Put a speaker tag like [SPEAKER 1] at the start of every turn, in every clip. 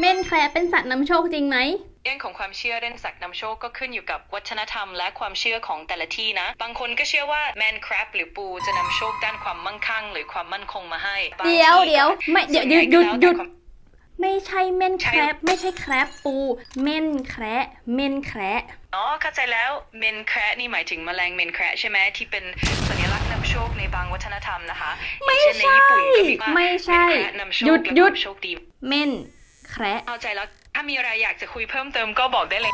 [SPEAKER 1] เม่นแคระเป็นสัตว์นำโชคจริงไหม
[SPEAKER 2] เรื่องของความเชื่อเรื่องสัตว์นำโชคก็ขึ้นอยู่กับวัฒนธรรมและความเชื่อของแต่ละที่นะบางคนก็เชื่อว่าแมนแครบหรือปูจะนำโชคด้านความมั่งคั่งหรือความมั่นคงมาให้
[SPEAKER 1] เดี๋ยวไม่เดี๋ยวหยุดไม่ใช่เม่นแคระไม่ใช่แคระปูเม่นแคระเม่นแคระ
[SPEAKER 2] อ๋อเข้าใจแล้วเมนแคระนี่หมายถึงแมลงเมนแคระใช่ไหมที่เป็นสัญลักษณ์นำโชคในบางวัฒนธรรมนะคะ
[SPEAKER 1] ไม่ใช่
[SPEAKER 2] ในญี่ปุ่นก็มีว่า
[SPEAKER 1] ไม่ใช่
[SPEAKER 2] เมนแคระนำโชคและความโชคดี
[SPEAKER 1] เม่นแคระ
[SPEAKER 2] เข้าใจแล้วถ้ามีอะไรอยากจะคุยเพิ่มเติมก็บอกได้เลย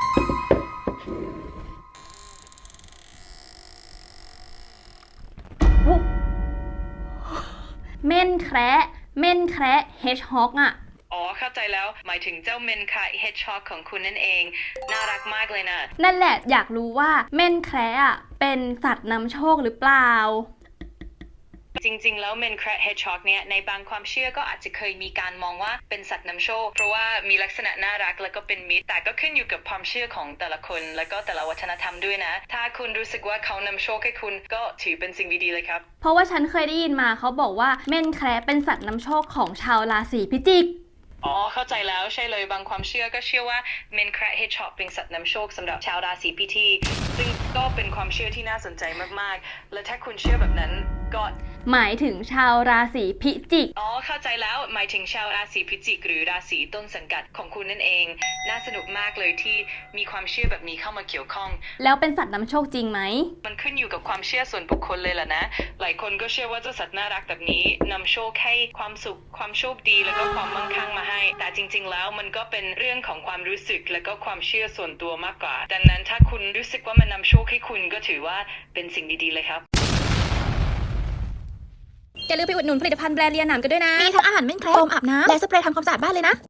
[SPEAKER 1] เม่นแคระเม่นแคระเฮดฮอกอ่ะ
[SPEAKER 2] อ๋อเข้าใจแล้วหมายถึงเจ้าเมนแคระเฮดช็อกของคุณนั่นเองน่ารักมากเลยนะ
[SPEAKER 1] นั่นแหละอยากรู้ว่าเม่นแคระอ่ะเป็นสัตว์นำโชคหรือเปล่า
[SPEAKER 2] จริงๆแล้วเมนแคระเฮดช็อกเนี่ยในบางความเชื่อก็อาจจะเคยมีการมองว่าเป็นสัตว์นำโชคเพราะว่ามีลักษณะน่ารักแล้วก็เป็นมิตรแต่ก็ขึ้นอยู่กับความเชื่อของแต่ละคนแล้วก็แต่ละวัฒนธรรมด้วยนะถ้าคุณรู้สึกว่าเขานำโชคให้คุณก็ถือเป็นสิ่งดีๆเลยครับ
[SPEAKER 1] เพราะว่าฉันเคยได้ยินมาเขาบอกว่าเม่นแคระเป็นสัตว์นำโชคของชาวราศีพิจิก
[SPEAKER 2] อ๋อเข้าใจแล้วใช่เลยบางความเชื่อก็เชื่อว่าเมนแคระเฮดช็อกเป็นสัตว์นำโชคสำหรับชาวราศีพิจิกซึ่งก็เป็นความเชื่อที่น่าสนใจมากๆและถ้าคุณเชื่อแบบนั้นก็
[SPEAKER 1] หมายถึงชาวราศีพิจิก
[SPEAKER 2] อ๋อเข้าใจแล้วหมายถึงชาวราศีพิจิกหรือราศีต้นสังกัดของคุณนั่นเองน่าสนุกมากเลยที่มีความเชื่อแบบนี้เข้ามาเกี่ยวข้อง
[SPEAKER 1] แล้วเป็นสัตว์นำโชคจริงไหม
[SPEAKER 2] มันขึ้นอยู่กับความเชื่อส่วนบุคคลเลยล่ะนะหลายคนก็เชื่อว่าเจ้าสัตว์น่ารักแบบนี้นำโชคให้ความสุขความโชคดีแล้วก็ความมั่งคั่งมาให้แต่จริงๆแล้วมันก็เป็นเรื่องของความรู้สึกแล้วก็ความเชื่อส่วนตัวมากกว่าดังนั้นถ้าคุณรู้สึกว่ามันนำโชคให้คุณก็ถือว่าเป็นสิ่งดีๆเลยครับ
[SPEAKER 1] อย่าลืมไปอุดหนุนผลิตภัณฑ์แบรนด์เลียหนามกันด้วยนะ
[SPEAKER 3] มีทั้งอาหารเม่นแคระโฟมอาบน้ำและสเปรย์ทำความสะอาดบ้านเลยนะ